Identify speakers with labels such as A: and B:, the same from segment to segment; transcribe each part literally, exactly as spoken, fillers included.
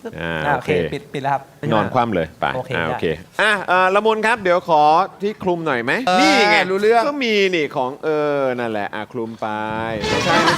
A: อ่า
B: อ่า
A: โอ
B: โอ
A: เค
B: เคปิดปิดแล้วครับ
A: นอนคว่ำเลยไป
B: โอเค
A: อ่า
B: ได้
A: โอเคอ่ะเอ่อละมุนครับเดี๋ยวขอที่คลุมหน่อยไหม
C: เออ
A: นี่ไง
C: รู้เรื่อง
A: ก็มีนี่ของเออนั่นแหละอ่ะคลุมไปไม่ใช่ไม่ใช่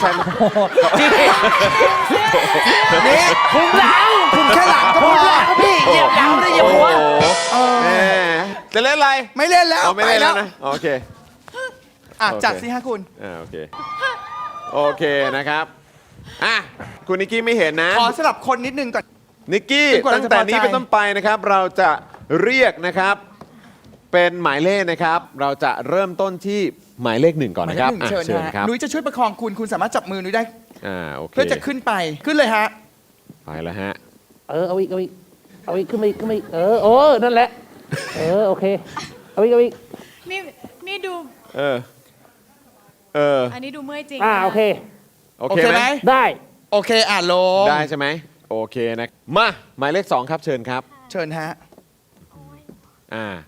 C: นี่
B: คุมหลัง
C: คุมแค่หลังก็พ
B: คุ
C: อ
B: มหลังพี่เหยียบหลังไม่ได้เหยียบหัว
A: โอ้โห
C: เออ
A: แหมจะเล่นอะไร
C: ไม่เล่นแล้ว
A: เอาไม่
C: ไป
A: เล่น
C: แล้
A: แล้ว วนะโอเค
C: อ่ะ
A: โอเค
C: จัดสิฮะคุณ
A: อ่าโอเคโอเคนะครับอ่ะคุณนิกกี้ไม่เห็นนะ
C: ขอสลับคนนิดนึงก่อน
A: นิกกี้
C: จนกว่าเรา
A: ตั้งแต่
C: จะพอใจ
A: นี้เป็นต้นไปนะครับ เราจะเรียกนะครับ เป็นหมายเลขนะครับ เราจะเริ่มต้นที่หมายเลขหนึ่งก่อน
C: หมาย
A: นะ
C: เล
A: ค
C: ข
A: รับ
C: หนึ่ง
A: อ่ะ
C: เชิญ
A: เชิญ
C: ฮะ
A: ครับ
C: นุ้ยจะช่วยประคองคุณคุณสามารถจับมือนุ้ยได้
A: อ่าโอเค
C: เพื่อจะขึ้นไปขึ้นเลยฮะ
A: ไปแล้วฮะ
D: เออเอาอีกเอาอีกเอาอีกขึ้นมาอีกขึ้นมาอีกเออโอ้นั่นแหละ เออโอเคเอาอีกเอาอีก
E: นี่นี่ดู
A: เออเออ
E: อันนี้ดูเมื่อยจริง
D: อ่า
E: นะ
D: โอเค
A: โอ
C: โอ
A: เค
C: เค
A: ไห
C: ไห
A: ม
C: ม
D: ได้
C: โอเคอ่ะลง
A: ได้ใช่ไหมโอเคนะมาหมายเลขสองครับเชิญครับ
C: เชิญฮะ
A: อ่า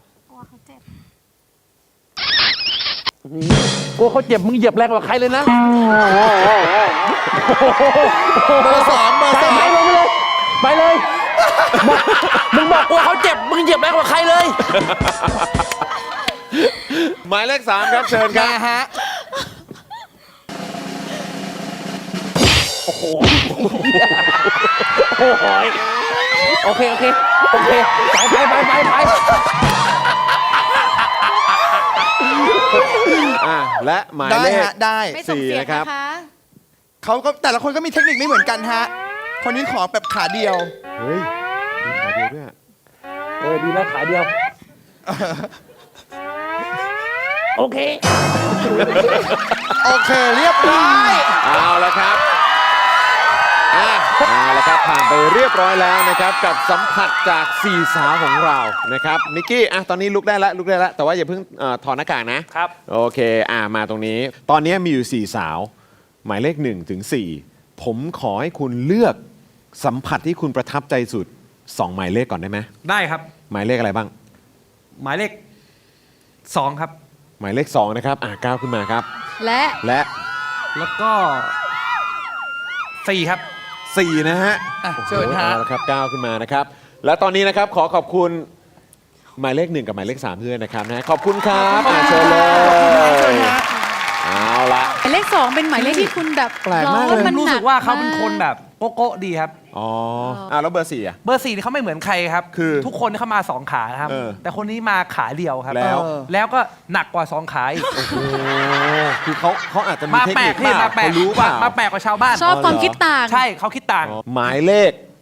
D: กลัวเขาเจ็บมึงเหยียบแรงกว่าใครเลยนะ
C: เบอร์สองเบอร์
D: ไป
C: สอง
D: ไปลงไปเลย ไปเลยบอกมึงบอกกลัวเขาเจ็บมึงเหยียบแรงกว่าใครเลย
A: หมายเลขสามครับเชิญครั
C: มา
A: บ
C: ฮะ
D: โอ้โหโอเคโอเคโอเคไปไปไปไปไป
A: อ่าและหมาย
C: ได้
A: เลข
C: ฮะได้
E: ไม่ส่ง
A: สี่
E: เสียง
A: นะครับ
E: นะคะ
C: เขาก็แต่ละคนก็มีเทคนิคไม่เหมือนกันฮะ คนนี้ขอแบบขาเดียว
A: เฮ้ยมีขาเดียวด้วยอะ
D: เออดีนะขาเดียว โอเค
C: โอเคเรียบร้อย
A: เอาละครับอ่ะเอาละครับผ่านไปเรียบร้อยแล้วนะครับ กับสัมผัสจากสี่สาวของเรานะครับนิกกี้อ่ะตอนนี้ลุกได้แล้วลุกได้แล้วแต่ว่าอย่าเพิ่งเอ่อถอดหน้ากากนะครับ โอเคอ่ะมาตรงนี้ ตอนนี้มีอยู่สี่สาว หมายเลขหนึ่งถึงสี่ผมขอให้คุณเลือกสัมผัสที่คุณประทับใจสุดสองหมายเลขก่อนได้ไหม
B: ได้ครับ
A: หมายเลขอะไรบ้าง
B: หมายเลขสองครับ
A: หมายเลขสองนะครับอ่ะก้าวขึ้นมาครับ
E: และ
A: และ
B: แล้วก็สี่ครับ
A: สี่นะฮะ
C: อ่ะเชิญฮะ
A: เอาละครับก้าวขึ้นมานะครับ และตอนนี้นะครับขอขอบคุณหมายเลขหนึ่งกับหมายเลขสามด้วยนะครับนะขอบคุณครับอ่ะเชิญเล
C: เชิญ
A: ย
C: ฮะ
A: เอาละ
E: หมายเลขสองเป็นหมายเลขที่คุณแบบ
A: แปลกมาก
E: ร้อง
A: เลย
E: มัน
B: รู้
E: หนั
B: สึกว่าเขาเป็นคนแบบโกโก้ดีครับ
A: อ๋ออ่ะแล้วเบอร์สี่อ่ะ
B: เบอร์สี่นี่เขาไม่เหมือนใครครับ
A: คือ
B: ทุกคนเขามาสองขานะครับ
A: เออ
B: แต่คนนี้มาขาเดียวครับ
A: แล้ว
C: เออ
B: แล้วก็หนักกว่าสองขาอีก
A: โอ้คือเขาเขาอาจจะมี
B: มา
A: เทค
B: แปล
A: นิ
B: ก
A: ค
B: พี่
A: เปล่า
B: มาแปลก
A: เขารู้เปล่า
B: มาแปลกกว่าชาวบ้าน
E: ชอบ
A: อ๋อ
E: ความ
A: เหรอ
E: คิดต่าง
B: ใช่เขาคิดต่าง
A: หมายเลข